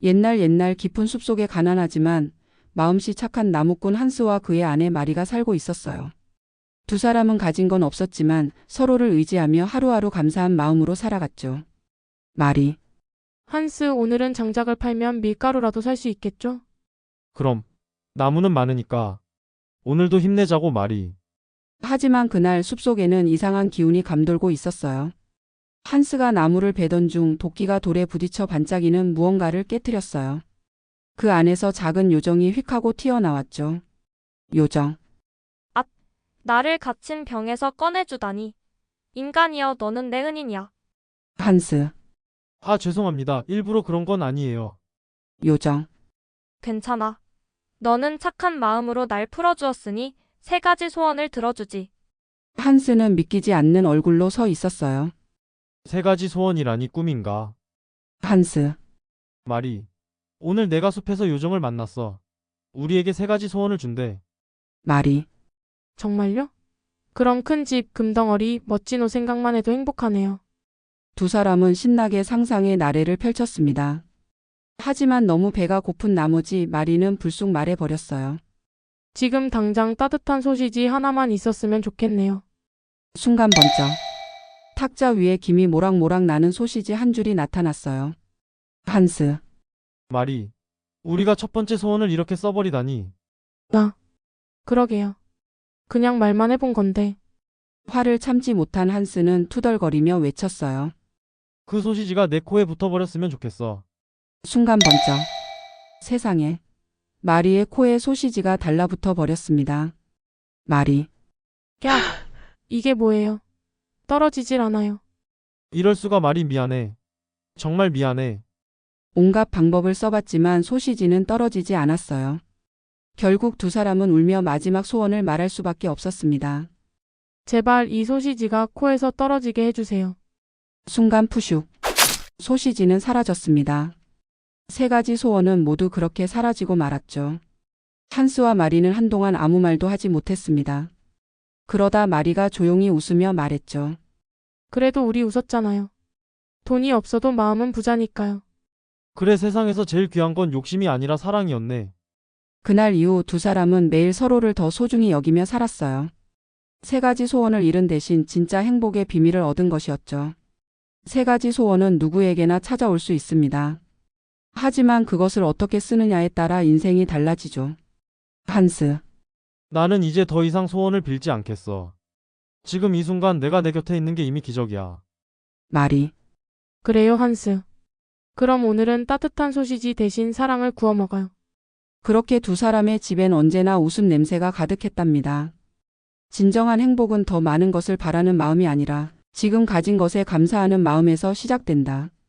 옛날 깊은 숲속에 가난하지만 마음씨 착한 나무꾼 한스와 그의 아내 마리가 살고 있었어요. 두 사람은 가진 건 없었지만 서로를 의지하며 하루하루 감사한 마음으로 살아갔죠. 마리, 한스, 오늘은 장작을 팔면 밀가루라도 살 수 있겠죠? 그럼 나무는 많으니까 오늘도 힘내자고 말이. 하지만 그날 숲속에는 이상한 기운이 감돌고 있었어요. 한스가 나무를 베던 중 도끼가 돌에 부딪혀 반짝이는 무언가를 깨뜨렸어요. 그 안에서 작은 요정이 휙 하고 튀어나왔죠. 요정, 나를 갇힌 병에서 꺼내주다니. 인간이여, 너는 내 은인이야. 한스, 아, 죄송합니다. 일부러 그런 건 아니에요. 요정, 괜찮아. 너는 착한 마음으로 날 풀어주었으니 3가지 소원을 들어주지. 한스는 믿기지 않는 얼굴로 서 있었어요. 3가지 소원이라니 꿈인가? 한스, 말이. 오늘 내가 숲에서 요정을 만났어. 우리에게 3가지 소원을 준대. 마리, 정말요? 그럼 큰 집, 금덩어리, 멋진 옷 생각만 해도 행복하네요. 두 사람은 신나게 상상의 나래를 펼쳤습니다. 하지만 너무 배가 고픈 나머지 마리는 불쑥 말해버렸어요. 지금 당장 따뜻한 소시지 하나만 있었으면 좋겠네요. 순간 번쩍. 탁자 위에 김이 모락모락 나는 소시지 한 줄이 나타났어요. 한스, 말이. 우리가 첫 번째 소원을 이렇게 써버리다니. 그러게요. 그냥 말만 해본 건데. 화를 참지 못한 한스는 투덜거리며 외쳤어요. 그 소시지가 내 코에 붙어버렸으면 좋겠어. 순간 번쩍. 세상에. 마리의 코에 소시지가 달라붙어 버렸습니다. 마리, 야, 이게 뭐예요? 떨어지질 않아요. 이럴 수가. 말이. 미안해. 정말 미안해. 온갖 방법을 써봤지만 소시지는 떨어지지 않았어요. 결국 두 사람은 울며 마지막 소원을 말할 수밖에 없었습니다. 제발 이 소시지가 코에서 떨어지게 해주세요. 순간 푸슉. 소시지는 사라졌습니다. 3가지 소원은 모두 그렇게 사라지고 말았죠. 한스와 마리는 한동안 아무 말도 하지 못했습니다. 그러다 마리가 조용히 웃으며 말했죠. 그래도 우리 웃었잖아요. 돈이 없어도 마음은 부자니까요. 그래, 세상에서 제일 귀한 건 욕심이 아니라 사랑이었네. 그날 이후 두 사람은 매일 서로를 더 소중히 여기며 살았어요. 3가지 소원을 잃은 대신 진짜 행복의 비밀을 얻은 것이었죠. 3가지 소원은 누구에게나 찾아올 수 있습니다. 하지만 그것을 어떻게 쓰느냐에 따라 인생이 달라지죠. 한스, 나는 이제 더 이상 소원을 빌지 않겠어. 지금 이 순간 내가 내 곁에 있는 게 이미 기적이야. 마리, 그래요, 한스. 그럼 오늘은 따뜻한 소시지 대신 사랑을 구워 먹어요. 그렇게 두 사람의 집엔 언제나 웃음 냄새가 가득했답니다. 진정한 행복은 더 많은 것을 바라는 마음이 아니라 지금 가진 것에 감사하는 마음에서 시작된다.